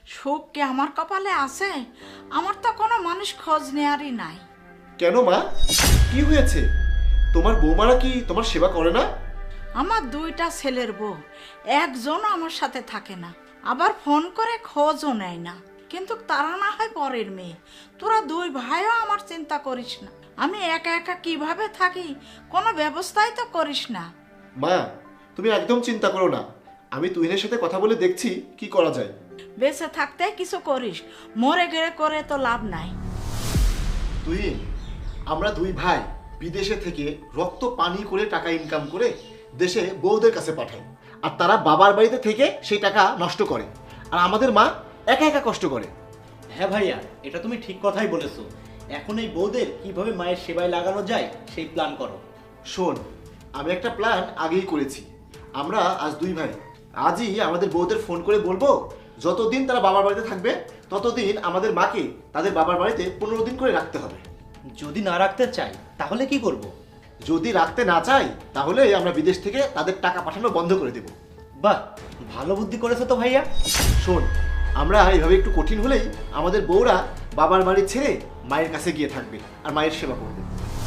সুখ কি আমার কপালে আছে? আমার তো কোনো মানুষ খোঁজ নেয়ারই নাই। কেন মা, কি হয়েছে? তোমার বৌমারা কি তোমার সেবা করে না? আমার দুইটা ছেলের বউ, একজনও আমার সাথে থাকে না, আবার ফোন করে খোঁজও নেয় না। কিন্তু তারা না হয় পরের মেয়ে, তোরা দুই ভাইও আমার চিন্তা করিস না। আমি একা একা কিভাবে থাকি, কোনো ব্যবস্থাই তো করিস না। মা, তুমি একদম চিন্তা করো না, আমি তুহিনের সাথে কথা বলে দেখছি কি করা যায়। বেঁচে থাকতে কিছু করিস, মরে গেলে করে তো লাভ নাই। তুহিন, আমরা দুই ভাই বিদেশে থেকে রক্ত পানি করে টাকা ইনকাম করে দেশে বউদের কাছে পাঠাই, আর তারা বাবার বাড়িতে থেকে সেই টাকা নষ্ট করে, আর আমাদের মা একা একা কষ্ট করে। হ্যাঁ ভাইয়া, এটা তুমি ঠিক কথাই বলেছো। এখন এই বউদের কিভাবে মায়ের সেবায় লাগানো যায় সেই প্ল্যান করো। শোন, আমি একটা প্ল্যান আগেই করেছি। আমরা আজ দুই ভাই আজই আমাদের বউদের ফোন করে বলবো, যতদিন তারা বাবার বাড়িতে থাকবে ততদিন আমাদের মাকে তাদের বাবার বাড়িতে 15 দিন করে রাখতে হবে। যদি না রাখতে চাই তাহলে কি করব? যদি রাখতে না চাই তাহলে আমরা বিদেশ থেকে তাদের টাকা পাঠানো বন্ধ করে দেব। বাহ, ভালো বুদ্ধি করেছো তো ভাইয়া। শোন, আমরা এইভাবে একটু কঠিন হলেই আমাদের বউরা বাবার বাড়ি ছেড়ে মায়ের কাছে গিয়ে থাকবে আর মায়ের সেবা করবে।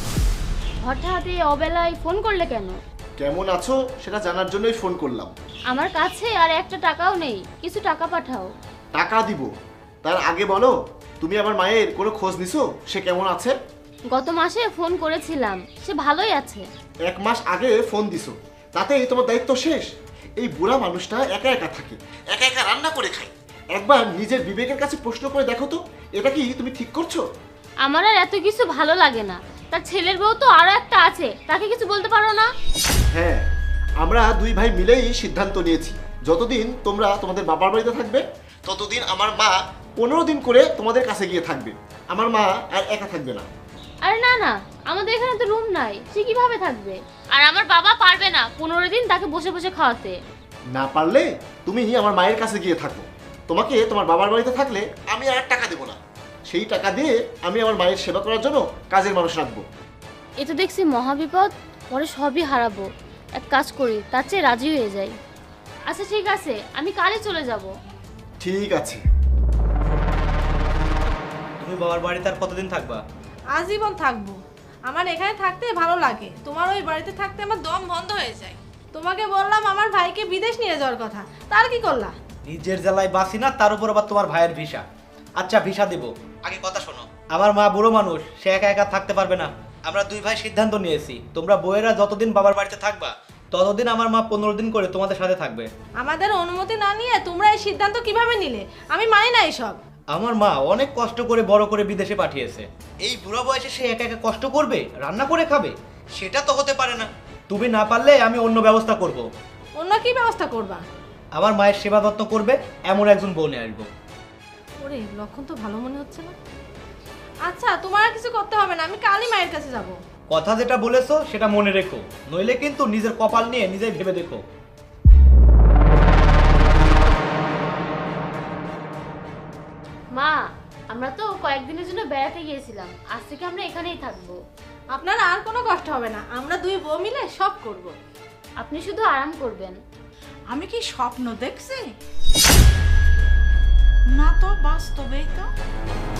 হঠাৎ এই অবেলায় ফোন করলে কেন? কেমন আছো সেটা জানার জন্যই ফোন করলাম। আমার কাছে আর একটা টাকাও নেই, কিছু টাকা পাঠাও। টাকা দিব, তার আগে বলো, তুমি আমার মায়ের কোনো খোঁজ নিছো? সে কেমন আছে? গত মাসে ফোন করেছিলাম, সে ভালোই আছে। 1 মাস আগে ফোন দিছো, তাতেই তোমার দায়িত্ব শেষ? এই বুড়া মানুষটা একা একা থাকে, একা একা রান্না করে খায়। একবার নিজের বিবেকের কাছে প্রশ্ন করে দেখো তো, এটা কি তুমি ঠিক করছো? আমার আর এত কিছু ভালো লাগে না। তার ছেলের বউ তো আরো একটা আছে, তাকে কিছু বলতে পারো না? হ্যাঁ, আমরা দুই ভাই মিলেই সিদ্ধান্ত নিয়েছি, যতদিন তোমরা তোমাদের বাবার বাড়িতে থাকবে ততদিন আমার মা 15 দিন করে তোমাদের কাছে গিয়ে থাকবে। আমার মা আর একা থাকবে না। আরে না না, আমাদের এখানে তো রুম নাই, সে কিভাবে থাকবে? আর আমার বাবা পারবে না 15 দিন তাকে বসে বসে খাওয়াতে। না পারলে তুমি আমার মায়ের কাছে গিয়ে থাকো। তোমাকে তোমার বাবার বাড়িতে থাকলে আমি আর টাকা দেবো না, সেই টাকা দিয়ে আমি আমার মায়ের সেবা করার জন্য কাজের মানুষ রাখবো। এ তো দেখছি মহাবিপদ, পরে সবই হারাবো। এক কাজ করি, তার চেয়ে রাজি হয়ে যাই। আচ্ছা ঠিক আছে, আমি কালই চলে যাব। ঠিক আছে। তুমি বাবার বাড়িতে আর কতদিন থাকবা? আজীবন থাকবো। আমার এখানে থাকতে ভালো লাগে, তোমার ওই বাড়িতে থাকতে আমার দম বন্ধ হয়ে যায়। তোমাকে বললাম আমার ভাইকে বিদেশ নিয়ে যাওয়ার কথা, তার কি করলা? নিজের জেলায় বাসি না, তার উপর আবার তোমার ভাইয়ের ভিসা। আচ্ছা ভিসা দেব, আগে কথা শোনো। আমার মা বুড়ো মানুষ, সে একা একা থাকতে পারবে না। আমরা দুই ভাই সিদ্ধান্ত নিয়েছি, তোমরা বউয়েরা যতদিন বাবার বাড়িতে থাকবা ততদিন আমার মা 15 দিন করে তোমাদের সাথে থাকবে। আমাদের অনুমতি না নিয়ে তোমরা এই সিদ্ধান্ত কিভাবে নিলে? আমি মানি না এসব। আমার মা অনেক কষ্ট করে বড় করে বিদেশে পাঠিয়েছে, এই বুড়া বয়সে সে একা একা কষ্ট করবে, রান্না করে খাবে? সেটা তো হতে পারে না। তুমি না পারলে আমি অন্য ব্যবস্থা করব। অন্য কি ব্যবস্থা করবা? আমার মায়ের সেবা যত্ন করবে এমন একজন বউ নিয়ে আসবো। ওরে, লক্ষণ তো ভালো মনে হচ্ছে না। আচ্ছা, তোমার আর কিছু করতে হবে না, আমি কালই মায়ের কাছে যাব। কথা যেটা বলেছো সেটা মনে রেখো, নইলে কিন্তু নিজের কপাল নিয়ে নিজেই ভেবে দেখো। মা, আমরা তো কয়েকদিনের জন্য বেড়াতে গিয়েছিলাম, আজ থেকে আমরা এখানেই থাকবো। আপনার আর কোনো কষ্ট হবে না, আমরা দুই বউ মিলে সব করব। আপনি শুধু আরাম করবেন। আমি কি স্বপ্ন দেখছি? না তো, বাস্তবেই তো।